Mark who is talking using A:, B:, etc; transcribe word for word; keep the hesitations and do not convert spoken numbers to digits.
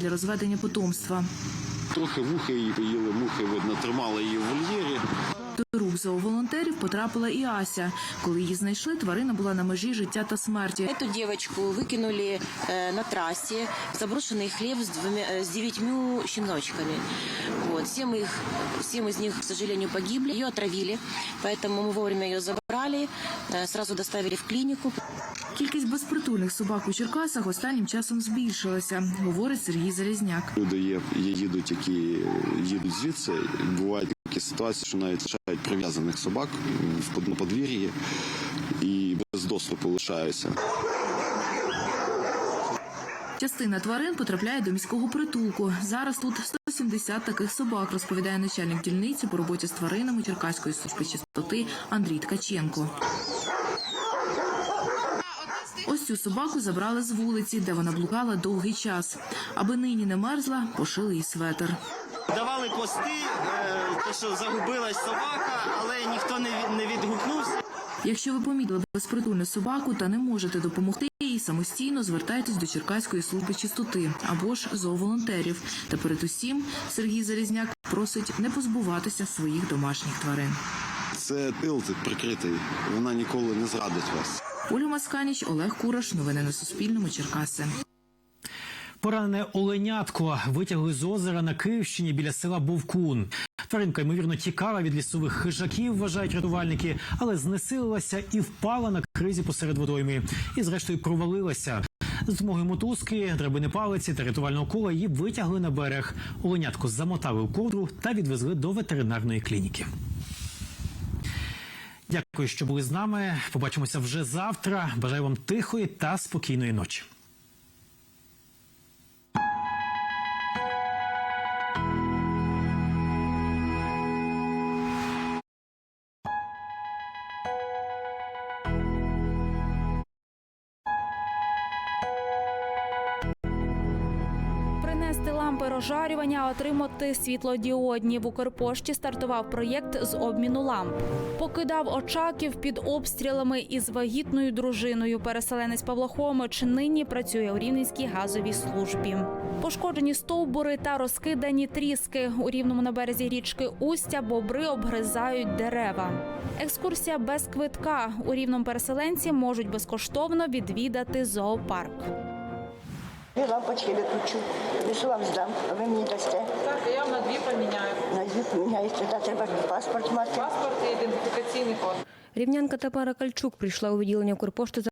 A: для розведення потомства.
B: Трохи вухи її поїли, мухи, видно, тримали її в вольєрі.
A: До рук зооволонтерів потрапила і Ася. Коли її знайшли, тварина була на межі життя та смерті.
C: Эту девочку выкинули на трассе в заброшенный хлев с, двумя, с девятью щеночками. Вот. Семь, их, семь из них, к сожалению, погибли. Ее отравили, поэтому мы вовремя ее забрали, сразу доставили в клинику.
A: Кількість безпритульних собак у Черкасах останнім часом збільшилася, говорить Сергій Залізняк.
B: Люди є, є їдуть, які їдуть звідси. Бувають такі ситуації, що навіть лишають прив'язаних собак в подвір'ї і без доступу лишаються.
A: Частина тварин потрапляє до міського притулку. Зараз тут сто сімдесят таких собак, розповідає начальник дільниці по роботі з тваринами Черкаської служби чистоти Андрій Ткаченко. Ось цю собаку забрали з вулиці, де вона блукала довгий час. Аби нині не мерзла, пошили їй светр.
D: Давали пости, те, що загубилась собака, але ніхто не відгукнувся.
A: Якщо ви помітили безпритульну собаку та не можете допомогти їй, самостійно звертайтесь до Черкаської служби чистоти або ж зооволонтерів. Та перед усім Сергій Залізняк просить не позбуватися своїх домашніх тварин.
B: Це тил, це прикритий, вона ніколи не зрадить вас.
A: Оля Масканіч, Олег Кураш. Новини на Суспільному. Черкаси.
E: Поранене оленятко витягли з озера на Київщині біля села Бовкун. Тваринка, ймовірно, тікала від лісових хижаків, вважають рятувальники, але знесилилася і впала на кризі посеред водойми. І, зрештою, провалилася. З допомогою мотузки, драбини палиці та рятувального кола її витягли на берег. Оленятко замотали у ковдру та відвезли до ветеринарної клініки. Дякую, що були з нами. Побачимося вже завтра. Бажаю вам тихої та спокійної ночі.
F: Принести лампи розжарювання, отримати світлодіодні. В Укрпошті стартував проєкт з обміну ламп. Покидав Очаків під обстрілами із вагітною дружиною. Переселенець Павло Хомич нині працює у Рівненській газовій службі. Пошкоджені стовбури та розкидані тріски. У Рівному на березі річки Устя бобри обгризають дерева. Екскурсія без квитка. У Рівному переселенці можуть безкоштовно відвідати зоопарк.
G: Дві лампочки виключу, лише вам здам, а ви мені дасте.
H: Так, я на дві поміняю.
G: На дві поміняєте, та треба паспорт мати.
H: Паспорт і ідентифікаційний код.
I: Рівнянка Тамара Кальчук прийшла у відділення Укрпошти